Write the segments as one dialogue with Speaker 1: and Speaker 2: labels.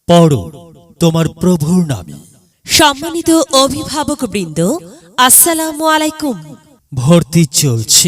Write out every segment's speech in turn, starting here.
Speaker 1: পড়ো তোমার প্রভুর নামে।
Speaker 2: সম্মানিত অভিভাবকবৃন্দ, আসসালামু আলাইকুম।
Speaker 1: ভর্তি চলছে,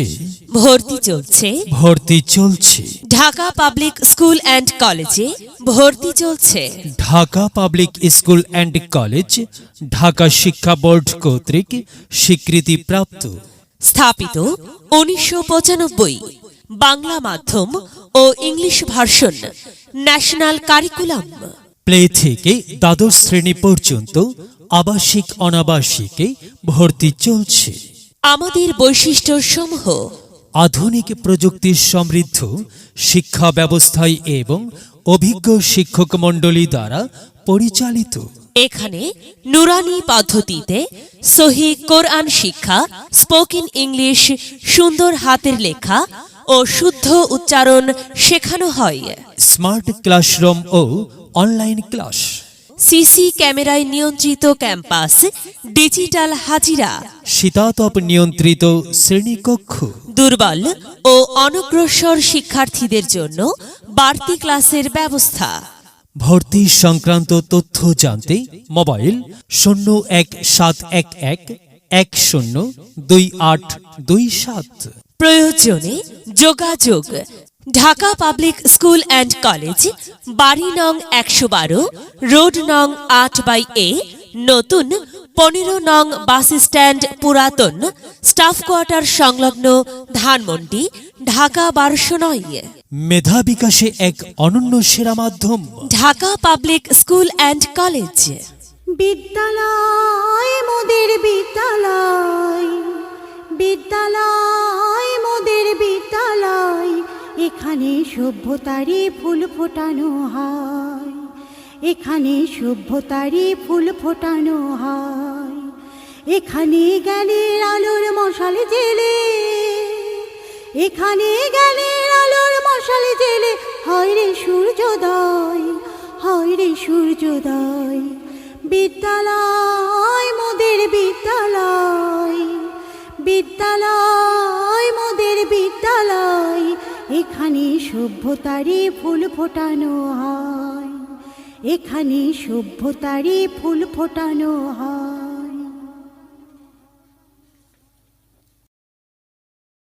Speaker 1: ভর্তি চলছে।
Speaker 2: ঢাকা পাবলিক স্কুল অ্যান্ড কলেজে ভর্তি চলছে।
Speaker 1: Dhaka public school and college Dhaka শিক্ষা বোর্ড কর্তৃক স্বীকৃতিপ্রাপ্ত।
Speaker 2: স্থাপিত 1995। বাংলা মাধ্যম ও English version, national curriculum.
Speaker 1: Play থেকে দ্বাদশ শ্রেণী পর্যন্ত আবাসিক অনাবাসিকে ভর্তি চলছে।
Speaker 2: আমাদের বৈশিষ্ট্য সমূহ:
Speaker 1: আধুনিক প্রযুক্তি সমৃদ্ধ শিক্ষা ব্যবস্থায় এবং অভিজ্ঞ শিক্ষক মণ্ডলী দ্বারা পরিচালিত।
Speaker 2: এখানে নুরানি পদ্ধতিতে সহি কোরআন শিক্ষা, স্পোকেন ইংলিশ, সুন্দর হাতের লেখা ও শুদ্ধ উচ্চারণ শেখানো হয়।
Speaker 1: স্মার্ট ক্লাসরুম ও অনলাইন ক্লাস।
Speaker 2: সিসি ক্যামেরায় নিয়ন্ত্রিত ক্যাম্পাস, ডিজিটাল হাজিরা।
Speaker 1: শীতাতপ নিয়ন্ত্রিত শ্রেণীকক্ষ।
Speaker 2: দুর্বল ও অনগ্রসর শিক্ষার্থীদের জন্য বাড়তি ক্লাসের ব্যবস্থা।
Speaker 1: ভর্তি সংক্রান্ত তথ্য জানতে মোবাইল 017111102827।
Speaker 2: প্রয়োজনে যোগাযোগ। Dhaka public school and college, বাড়ি নং 112, রোড নং 8/A, নতুন 15 নং বাস স্ট্যান্ড, পুরাতন স্টাফ কোয়ার্টার সংলগ্ন, ধানমন্ডি, ঢাকা 1209।
Speaker 1: মেধা বিকাশে এক অনন্য সেরা মাধ্যম।
Speaker 2: Dhaka public school and college.
Speaker 3: বিদ্যালয় মোদের বিদ্যালয়, বিদ্যালয় মোদের বিদ্যালয়। এখানে সভ্যতারই ফুল ফোটানো হয়, এখানে সভ্যতারই ফুল ফোটানো হয়। এখানে জ্ঞানের আলোর মশাল জেলে, এখানে জ্ঞানের আলোর মশাল জেলে হয় রে সূর্যোদয়, হয় রে সূর্যোদয়। বিদ্যালয় মোদের বিদ্যালয়, বিদ্যালয় মোদের বিদ্যালয়। এখানে সভ্যতারই ফুল ফোটানো হয়, এখানে সভ্যতারই ফুল ফোটানো হয়।